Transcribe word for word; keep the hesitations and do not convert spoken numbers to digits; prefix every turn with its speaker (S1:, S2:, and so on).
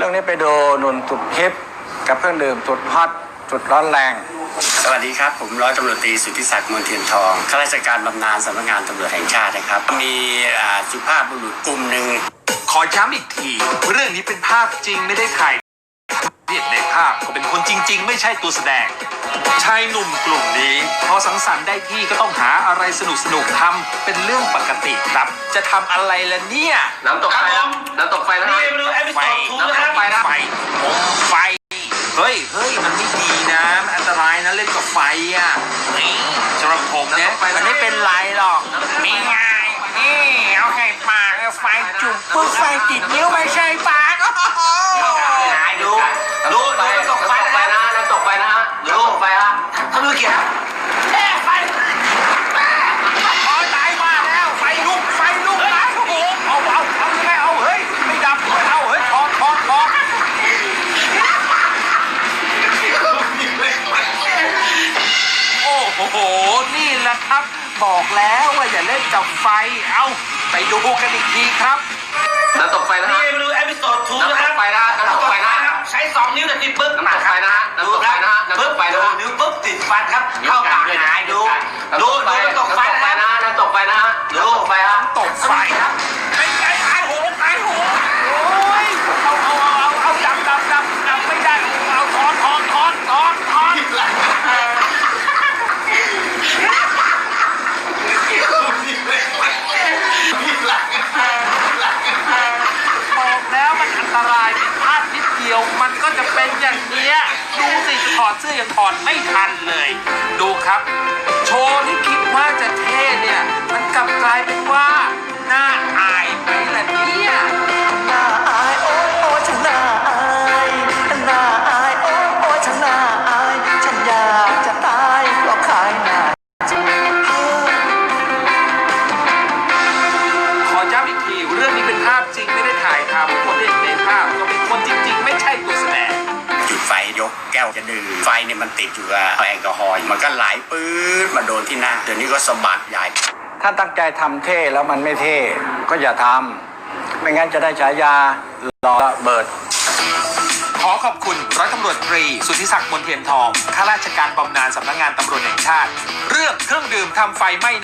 S1: รื่องนี้ไปดูหนุ่นสุดฮิปกับเครื่องดื่มสุดฮอตสุดร้อนแรง
S2: สวัสดีครับผมร้อยตำรวจตรีสุทธิศักดิ์มนเทียนทองข้าราชการบำนาญสำนักงานตำรวจแห่งชาตินะครับมีสุภาพบุรุษกลุ่มหนึ่ง
S3: ขอย้ำอีกทีเรื่องนี้เป็นภาพจริงไม่ได้ถ่ายเรียกในภาพก็เป็นคนจริงๆไม่ใช่ตัวแสดงชายหนุ่มกลุ่มนี้พอสังสรรค์ได้ที่ก็ต้องหาอะไรสนุกสนุกทำเป็นเรื่องปกติครับจะทำอะไรล่ะเนี่ย
S2: น้ำตกไฟน้ำตกไฟนะ
S3: นี่ไม่รู้แอปไฟน้ำตกไฟนะไฟผมไฟเฮ้ยเฮ้ยมันไม่ดีนะมันอันตรายนะเล่นกับไฟอ่ะนี่สำหรับผมเนี่ยมันไม่เป็นไรหรอกมีไงนี่เอาให้ปากไฟจุ่มปุ๊บไฟติดนิ้วไม่ใช่ปากดูดูดูน้ำตกไฟนะน้ำตกไฟนะฮะดูไฟฮะทำมือเกี่ยวแค่ไฟโอ้ยตายมาแล้วไฟลุกไฟลุกนะโอ้โหเอาเอาเอายังไงเอาเฮ้ยไม่ดับเอาเฮ้ยทอนทอนทอนโอ้โหนี่แหละครับบอกแล้วว่าอย่าเล่นกับไฟเอาไปดูกันอีกทีครับ
S2: น้ำตกไฟนะฮะ
S3: นี่ไม่รู้เอพิโซดทูนะครับ
S2: น้ำตกไฟนะน้ำตกไฟนะ
S3: ใช้สองนิ้วแต่ติดปึ๊บ
S2: น้ำตกไฟนะฮะน้ำตกไฟนะฮะน้ำตกไฟนะฮะ
S3: นิ้วปึ๊บติดฟันครับเข้าปากหายดูดูดูน้ำตกไฟนะ
S2: น้ำตกไฟนะฮะน้ำตกไฟฮะ
S3: ตกไฟครับไอ้ไอ้ไอ้โหไอ้โหโอ้ยเอาเอาเอาเอาดับดับดับดับไม่ได้เอาถอนถอนถอนถอนถอนบอกแล้วมันอันตรายผิดพลาดนิดเดียวมันก็จะเป็นอย่างเนี้ยดูสิถอดเสื้อยังถอดไม่ทันเลยดูครับโชว์ที่คิดว่าจะเท่เนี่ยมันกลับกลายเป็นว่าน่าอายไปละเนี่ย
S4: น่าอายโอ้ยโอ้ยฉันน่าอายน่าอายโอ้ยโอ้ยฉันน่าอายฉันอยากจะตายเพราะขายหน้าจริง
S3: ขอย้ำอีกทีเรื่องนี้เป็นภาพจริงไม่ได้ถ่ายทำคนเล่นในภาพก็เป็นคนจริงๆไม่ใช่ตัวแสดง
S2: จุดไฟยกแก้วจะดื่มไฟเนี่ยมันติดอยู่กับแอลกอฮอล์มันก็ไหลปื๊ดมาโดนที่หน้าเดี๋ยวนี้ก็สะบัดใหญ่
S1: ถ้าตั้งใจทำเท่แล้วมันไม่เท่ก็อย่าทำไม่งั้นจะได้ฉายาหล่อระเบิด
S3: ขอขอบคุณร้อยตำรวจตรีสุทธิศักดิ์มนเทียนทองข้าราชการบำนาญสำนักงานตำรวจแห่งชาติเรื่องเครื่องดื่มทำไฟไหม้